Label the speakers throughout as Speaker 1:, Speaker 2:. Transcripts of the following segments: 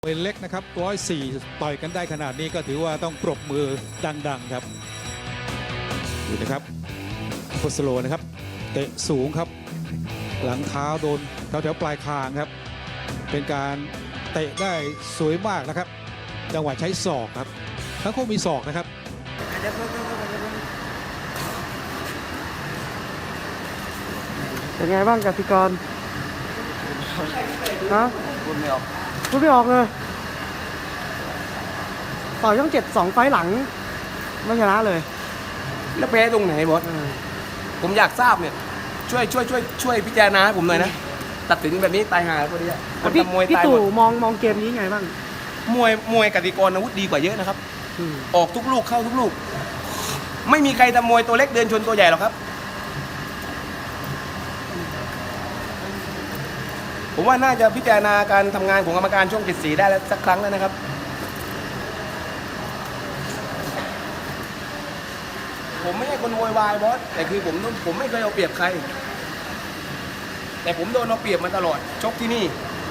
Speaker 1: เวทเล็กนะครับ104ต่อยกันได้ขนาดนี้ก็ถือว่าต้องปรบมือดังๆครับดูนะครับฟุตสโลนะครับเตะสูงครับหลังเท้าโดนแถวปลายคางครับเป็นการเตะได้สวยมากนะครับจังหวะใช้ศอกครับทั้งคู่มีศอกนะครับ
Speaker 2: เป็นไงบ้างกติกรฮะพูดไม่ออกเลยต่อยช่อง7 2 ไฟล์หลังไม่ชนะเลย
Speaker 3: แล้วแพ้ตรงไหนบอสผมอยากทราบเนี่ยช่วยพิจารณาให้ผมหน่อยนะตัดสินแบบนี้ตายหาพอดีคน
Speaker 2: พี่
Speaker 3: ทำมวย
Speaker 2: พี่
Speaker 3: ตายห
Speaker 2: ตู่
Speaker 3: มด
Speaker 2: มองเกมนี้ไงบ้าง
Speaker 3: มวยกติกรอาวุธดีกว่าเยอะนะครับออกทุกลูกเข้าทุกลูกไม่มีใครทำมวยตัวเล็กเดินชนตัวใหญ่หรอกครับผมว่าน่าจะพิจารณาการทำงานของกรรมการช่วง74ได้แล้วสักครั้งแล้วนะครับผมไม่ใช่คนโวยวายบอสแต่คือผมไม่เคยเอาเปรียบใครแต่ผมโดนเอาเปรียบมาตลอดชกที่นี่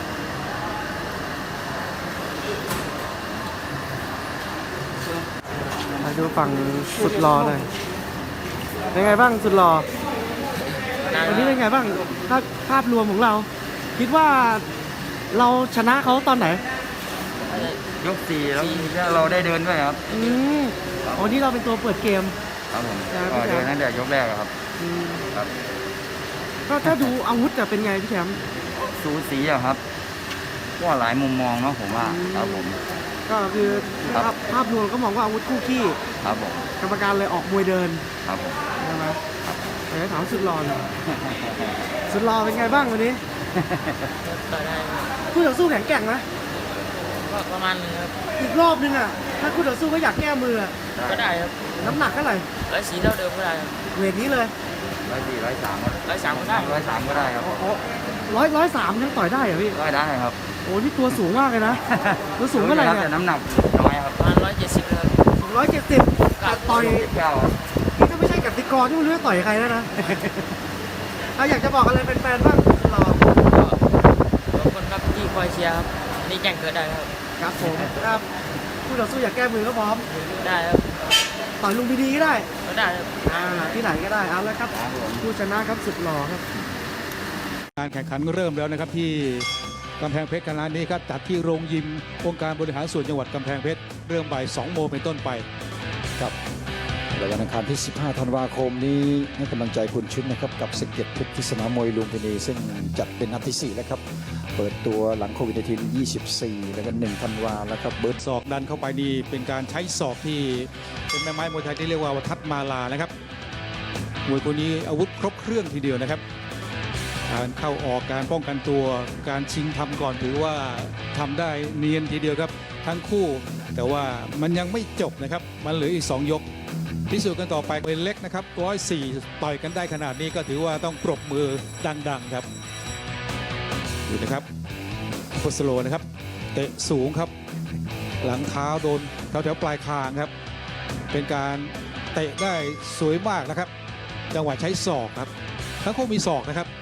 Speaker 2: มาดูฝั่งสุดหล่อเลยเป็นไงบ้างสุดหล่อวันนี้เป็นไงบ้างภาพรวมของเรา คิดว่าเราชนะเขาตอนไหน
Speaker 4: ยก4แล้วเราได้เดินด้วยครับ
Speaker 2: วันนี้เราเป็นตัวเปิดเกม
Speaker 4: ครับผมก็เดินตั้งแต่ยกแรกครับครับ
Speaker 2: ก็ถ้าดูอาวุธจะเป็นไงพี่แชมป์
Speaker 4: สูสีอะครับก็หลายมุมมองเนาะผมว่าครับผม
Speaker 2: ก็คือภาพรวมก็มองว่าอาวุธคู่ขี้
Speaker 4: ครับผม
Speaker 2: กรรมการเลยออกมวยเดิน
Speaker 4: ครับผม
Speaker 2: ใช่ไหมแต่ถามสุดหล่อสุดหล่อเป็นไงบ้างวันนี้คู่ต่อสู้แข็งแกร่งไหม
Speaker 5: ก็ประมาณนึงครับ
Speaker 2: อีกรอบนึงอ่ะถ้าคู่ต่อสู้ก็อยากแก้มือ
Speaker 5: ก็ได้ครับ
Speaker 2: น้ำหนักเท่าไหร่
Speaker 5: 104เท่าเดิมก็ได้ครับ
Speaker 2: เวทนี้เลย
Speaker 4: 104 103
Speaker 5: 103ก็ได้
Speaker 4: 103ก็ได้ครับ
Speaker 2: 103ยังต่อยได้เหรอพี่
Speaker 4: ได้ครับ
Speaker 2: โอ้นี่ตัวสูงมากเลยนะตัวสูงเท่าไหร่เนี่ย
Speaker 4: แต่น้ำหนักน้อยครับ
Speaker 5: ประมาณ170ครับ
Speaker 2: 170ต่อยนี่ถ้าไม่ใช่กติกรที่ไม่รู้จะต่อยใครแล้วนะเราอยากจะบอกอะไรเป็นแฟนบ้างรอ
Speaker 5: ขอบคุณครับที่คอยเชียร์ครับนี่แจ้งเกิดได้ครับ
Speaker 2: ครับผมครับคู่ต่อสู้อยากแก้มือก็พร้อม
Speaker 5: ได้ครับ
Speaker 2: ต่อยลุงพีดีก็ได้
Speaker 5: ก็ได้ครับ
Speaker 2: ที่ไหนก็ได้เอาแล้วครับผู้ชนะครับสุดหล่อครับ
Speaker 1: การแข่งขันเริ่มแล้วนะครับที่กำแพงเพชรคณะนี้ครับจัดที่โรงยิมองค์การบริหารส่วนจังหวัดกำแพงเพชรเริ่มบ่าย2 โมงเป็นต้นไป
Speaker 6: ครับวันอังคารที่15 ธันวาคมนี้ให้กำลังใจคุณชุดนะครับกับศึก7เพชรที่สนามมวยลุมพินีซึ่งจัดเป็นนัดที่4แล้วครับเปิดตัวหลังโควิด24แล้วก็1 ธันวาแล้วครับ
Speaker 1: เบิร์ดศอกดันเข้าไปนี่เป็นการใช้ศอกที่เป็นแม่ไม้มวยไทยที่เรียกว่าทัดมาลานะครับมวยคนนี้อาวุธครบเครื่องทีเดียวนะครับการเข้าออกการป้องกันตัวการชิงทำก่อนถือว่าทำได้เนียนทีเดียวครับทั้งคู่แต่ว่ามันยังไม่จบนะครับมันเหลืออีก2 ยกพิสูจน์กันต่อไปเวทเล็กนะครับ104ต่อยกันได้ขนาดนี้ก็ถือว่าต้องปรบมือดังๆครับดูนะครับฟุตสโลนะครับเตะสูงครับหลังเท้าโดนแถวปลายคางครับเป็นการเตะได้สวยมากนะครับจังหวะใช้ศอกครับทั้งคู่มีศอกนะครับ